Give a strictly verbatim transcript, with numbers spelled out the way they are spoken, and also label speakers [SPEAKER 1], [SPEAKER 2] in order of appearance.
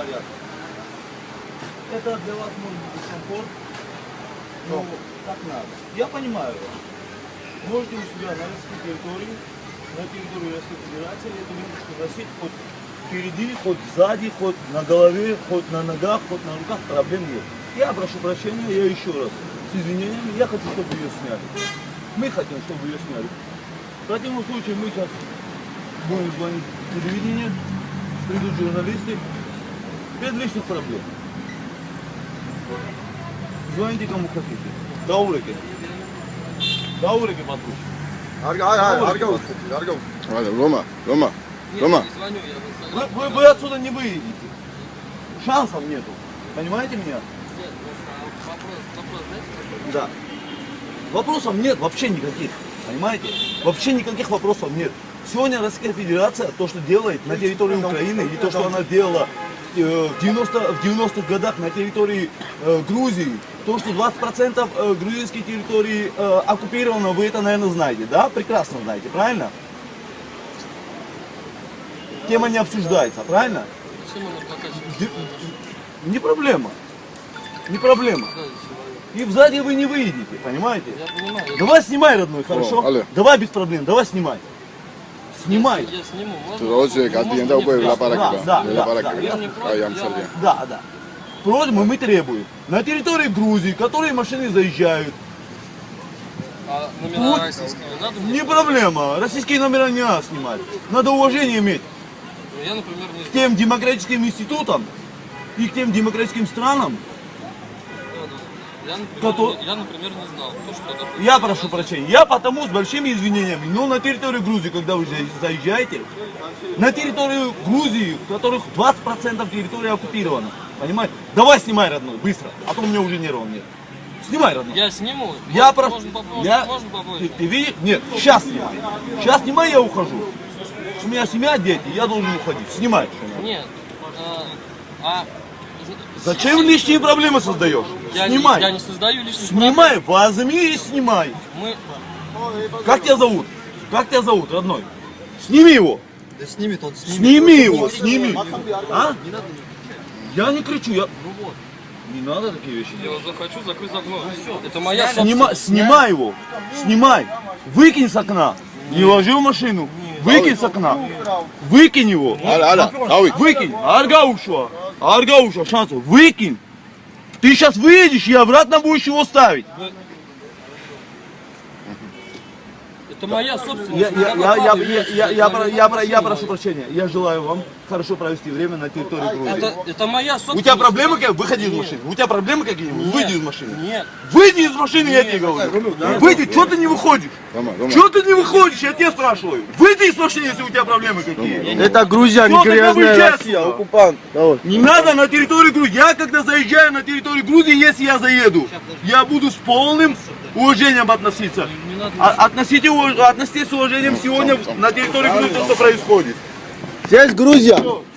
[SPEAKER 1] порядка. Это для вас может быть дискомфорт, но так надо. Я понимаю вас. Можете у себя на российской территории, на территории Российской Федерации эту ленточку носить хоть впереди, хоть сзади, хоть на голове, хоть на ногах, хоть на руках, проблем нет. Я прошу прощения, я еще раз с извинениями, я хочу, чтобы ее сняли. Мы хотим, чтобы ее сняли. В противном случае мы сейчас будем звонить в телевидение, придут журналисты, без лишних проблем. Звоните кому хотите. Даурики. Даурики подруг.
[SPEAKER 2] Арга, арга, арга, арга. Рома, Рома, Рома.
[SPEAKER 1] Вы, вы, вы отсюда не выйдете. Шансов нету. Понимаете меня? Да. Вопросов нет вообще никаких. Понимаете? Вообще никаких вопросов нет. Сегодня Российская Федерация, то, что делает на территории Украины, и то, что она делала э, в девяностых годах на территории э, Грузии, то, что двадцать процентов э, грузинской территории э, оккупировано, вы это, наверное, знаете, да? Прекрасно знаете, правильно? Тема не обсуждается, правильно? Не проблема. Не проблема. И сзади вы не выйдете, понимаете? Давай снимай, родной, хорошо?
[SPEAKER 2] О,
[SPEAKER 1] давай без проблем, давай снимай. Снимай.
[SPEAKER 3] Я сниму.
[SPEAKER 1] Да, да, да, да, да. Просьбу мы требуем. На территории Грузии, которые машины заезжают.
[SPEAKER 3] А номера российские не надо?
[SPEAKER 1] Не проблема. Российские номера не надо снимать. Надо уважение иметь.
[SPEAKER 3] Я, например, не
[SPEAKER 1] к тем демократическим институтам и к тем демократическим странам.
[SPEAKER 3] Я, например,
[SPEAKER 1] Кто...
[SPEAKER 3] не, я, например, не знал. То, что, допустим,
[SPEAKER 1] я прошу прощения. Я потому с большими извинениями, но на территорию Грузии, когда вы заезжаете, на территорию Грузии, у которых двадцать процентов территории оккупирована, понимаете? Давай снимай, родной, быстро, а то у меня уже нервов нет. Снимай, родной.
[SPEAKER 3] Я сниму.
[SPEAKER 1] Я
[SPEAKER 3] можно,
[SPEAKER 1] прошу.
[SPEAKER 3] можно, можно,
[SPEAKER 1] Я...
[SPEAKER 3] можно попозже.
[SPEAKER 1] Ты, ты видишь? Нет, сейчас снимай. Сейчас снимай, я ухожу. У меня семья, дети, я должен уходить. Снимай.
[SPEAKER 3] Нет. А... а...
[SPEAKER 1] Зачем лишние проблемы создаешь?
[SPEAKER 3] Я
[SPEAKER 1] Снимай.
[SPEAKER 3] Не, я не создаю лишних
[SPEAKER 1] Снимай,
[SPEAKER 3] проблем.
[SPEAKER 1] возьми и снимай.
[SPEAKER 3] Мы...
[SPEAKER 1] Как тебя зовут? Как тебя зовут, родной? Сними его.
[SPEAKER 2] Да снимет он, снимет.
[SPEAKER 1] Сними его, сними. А? Я не кричу, я...
[SPEAKER 3] Ну вот.
[SPEAKER 1] Не надо такие вещи
[SPEAKER 3] Я
[SPEAKER 1] делать.
[SPEAKER 3] захочу, закрыть окно. Это моя
[SPEAKER 1] Снима...
[SPEAKER 3] собственность.
[SPEAKER 1] Снимай его. Снимай. Выкинь с окна. Не ложи в машину. Выкинь с окна. Выкинь его. Выкинь. Арга ушла. Арга ушла. Шансов. Выкинь. Ты сейчас выедешь и обратно будешь его ставить.
[SPEAKER 3] Это моя собственность.
[SPEAKER 1] Я, я, я, я, я, я, я, я, я прошу прощения. Я желаю вам хорошо провести время на территории Грузии.
[SPEAKER 3] Это, это моя собственность.
[SPEAKER 1] У тебя проблемы какие? Выходи из машины. У тебя проблемы какие-нибудь? Выйди из машины.
[SPEAKER 3] Нет.
[SPEAKER 1] Выйди из машины, я тебе говорю. Выйди, что ты не выходишь? Что ты не выходишь? Я тебя спрашиваю. Выйди из машины, если у тебя проблемы какие.
[SPEAKER 2] Это Грузия, не грязная Россия, оккупант.
[SPEAKER 1] Не надо на территорию Грузии. Я когда заезжаю на территорию Грузии, если я заеду, я буду с полным уважением относиться. А, относите, относитесь с уважением сегодня на территории Грузии, то, что происходит.
[SPEAKER 2] Здесь Грузия.